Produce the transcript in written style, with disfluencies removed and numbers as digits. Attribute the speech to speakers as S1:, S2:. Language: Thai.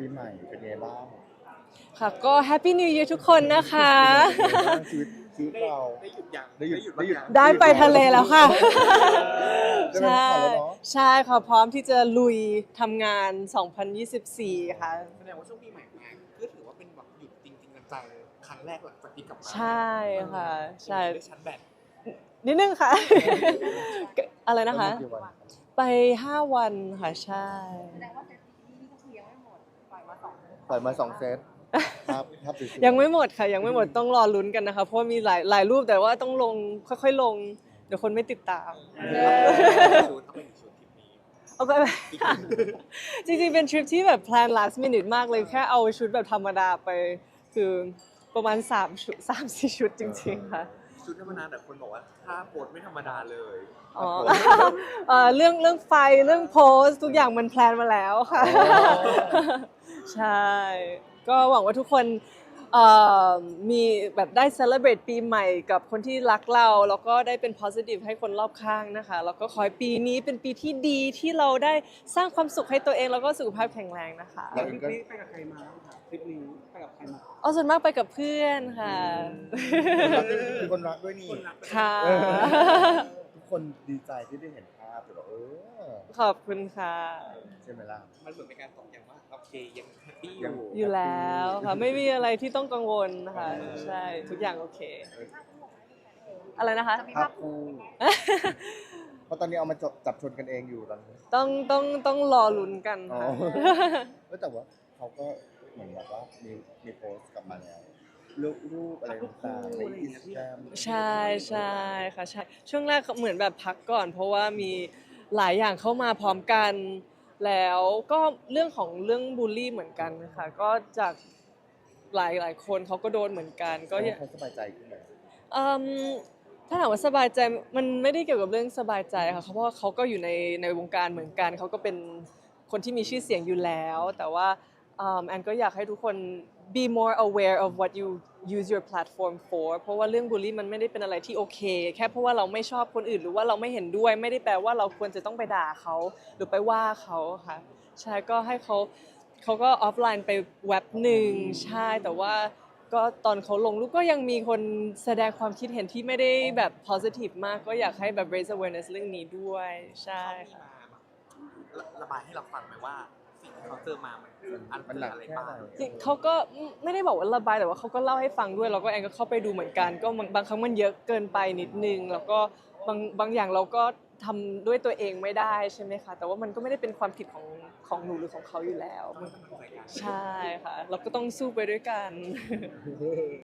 S1: ปีใหม่เป็นไงบ้าง
S2: ค่ะก็ Happy New Year ทุกคนนะคะ
S1: ชีวิตเรา
S3: ได้หยุดยัง
S1: ได้หยุด
S2: ได้ไปทะเลแล้วค่ะ
S1: ได้ไป
S2: ใช่
S1: พักผ่อนแล้วเนาะ
S2: ใช่ค่ะพร้อมที่จะลุยทำงาน 2024 ค่ะ
S3: แสดงว่าช่วงปีใหม่มาก็ถือว่าเป็นแบบหยุดจริงๆจังๆครั้งแรกหลังจากที่กลับมา
S2: ใช่ค่ะใช่
S3: ได้ชาร์จแบต
S2: นิดนึงค่ะ อะไรนะคะ
S1: กี่วัน
S2: ไป 5 วันค่ะ ใช่
S4: แสดงว่าเซตนี้ก็คือยังไม่หมดปล่อยมา2
S1: ปล่อยมา2 เซตครับสวยๆ
S2: ยังไม่หมดค่ะ ยังไม่หมดต้องรอลุ้นกันนะคะ เพราะว่ามีหลายรูปแต่ว่าต้องลงค่อยๆลง เดี๋ยวคนไม่ติดตาม
S3: ชุดต้องเป็นชุดทริปนี้
S2: เอาไป จริงๆ เป็นทริปที่แบบแพลน last minute มากเลย แค่เอาชุดแบบธรรมดาไป คือประมาณ3 ชุด 3-4 ชุดจริงๆ ค่ะ
S3: ชุดธรรมดาแต่คนบอกว่าถ้าโพสไม่ธรรมดาเลย
S2: อ๋อ เรื่องไฟเรื่องโพสทุกอย่างมันแพลนมาแล้วค่ะ ใช่ ก็หวังว่าทุกคนมีแบบได้ celebrate ปีใหม่กับคนที่รักเรา แล้วก็ได้เป็น positive ให้คนรอบข้างนะคะ แล้วก็ขอให้ปีนี้เป็นปีที่ดีที่เราได้สร้างความสุขให้ตัวเองแล้วก็สุขภาพแข็งแรงนะคะ
S1: เราเองก็
S5: ไปกับใครมาบ้างคะทริปนี้ไปกับใครมา
S2: เอาส่วนมากไปกับเพื่อนค่ะ
S1: มีคนรักด้วยนี่
S2: ค่ะ
S1: ทุกคนดีใจที่ได้เห็นภาพแต่แบบ
S2: ขอบคุณค่ะ
S1: ใช่ไหมล่ะ
S3: มันเหมือนเป็นการตอกย้ำว่าโอเคยังแฮปปี้อ
S1: ยัง
S3: ยู่
S2: อยู่แล้วค่ะไม่มีอะไรที่ต้องกังวลนะคะใช่ทุกอย่างโอเค อะไรนะคะ
S1: ภาพคู่เพราะตอนนี้เอามาจับชนกันเองอยู่ตอนนี้
S2: ต้องรอลุ้นกัน
S1: อ๋อ
S2: ค่ะ
S1: แต่ว่าเขาก็เหมือนแบบว่ามีโพสต์กลับมาแล้วรูปอะไรต่างๆในอินสตาแกรม
S2: ใช่ใช่ค่ะใช่ช่วงแรกเหมือนแบบพักก่อน เพราะว่ามีหลายอย่างเข้ามาพร้อมกัน แล้วก็เรื่องบูลลี่เหมือนกันค่ะก็จากหลายคนเขาก็โดนเหมือนกันก็
S1: เขาสบายใจขึ้นไหม
S2: อืมถ้าถามว่าสบายใจมันไม่ได้เกี่ยวกับเรื่องสบายใจค่ะเพราะว่าเขาก็อยู่ในวงการเหมือนกันเขาก็เป็นคนที่มีชื่อเสียงอยู่แล้ว แต่ว่าแอนก็อยากให้ทุกคน be more aware of what you use your platform for เพราะว่าเรื่องบูลลี่มันไม่ได้เป็นอะไรที่โอเคแค่เพราะว่าเราไม่ชอบคนอื่นหรือว่าเราไม่เห็นด้วยไม่ได้แปลว่าเราควรจะต้องไปด่าเขาหรือไปว่าเขาค่ะใช่ก็ให้เขาก็ออฟไลน์ไปเว็บหนึ่งใช่แต่ว่าก็ตอนเขาลงรูปก็ยังมีคนแสดงความคิดเห็นที่ไม่ได้แบบ positive มากก็อยากให้แบบ raise awareness เรื่องนี้ด้วยใช่ค่ะ
S3: ระบายให้เราฟังไหมว่าสิ่งที่เขาเจอมามัน
S1: หนัก
S3: อะไร
S1: แค่
S3: บ้าง
S1: ไหน
S2: จริงเขาก็ไม่ได้บอกว่าระบายแต่ว่าเขาก็เล่าให้ฟังด้วยแล้วก็แอนก็เข้าไปดูเหมือนกันก็บางครั้งมันเยอะเกินไปนิดนึงแล้วก็บางอย่างเราก็ทำด้วยตัวเองไม่ได้ใช่ไหมคะแต่ว่ามันก็ไม่ได้เป็นความผิดของหนูหรือของเขาอยู่แล้ว ใช่ค่ะเราก็ต้องสู้ไปด้วยกัน